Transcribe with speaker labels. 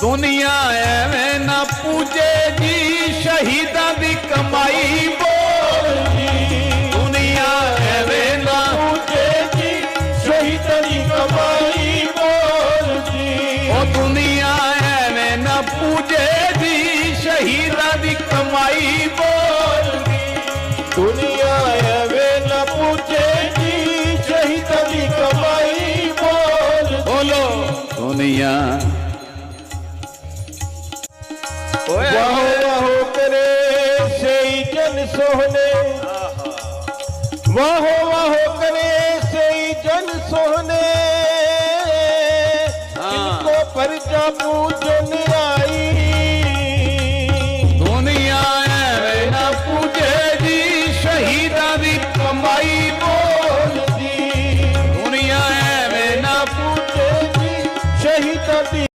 Speaker 1: दुनिया एवं न पूजे जी शहीदा दी कमाई बोल जी। दुनिया एवं न
Speaker 2: पूजे जी शहीदा दी कमाई बोल जी।
Speaker 1: ओ दुनिया एवं न पूजे जी शहीदा दी कमाई बोल जी।
Speaker 2: दुनिया एवं न पूजे जी शहीदा दी कमाई बोल जी।
Speaker 1: बोलो दुनिया
Speaker 2: वाहो वाहो करे से जन सोहने, वाहो वाहो करे से जन सोहने, इनको परजा पूजन आई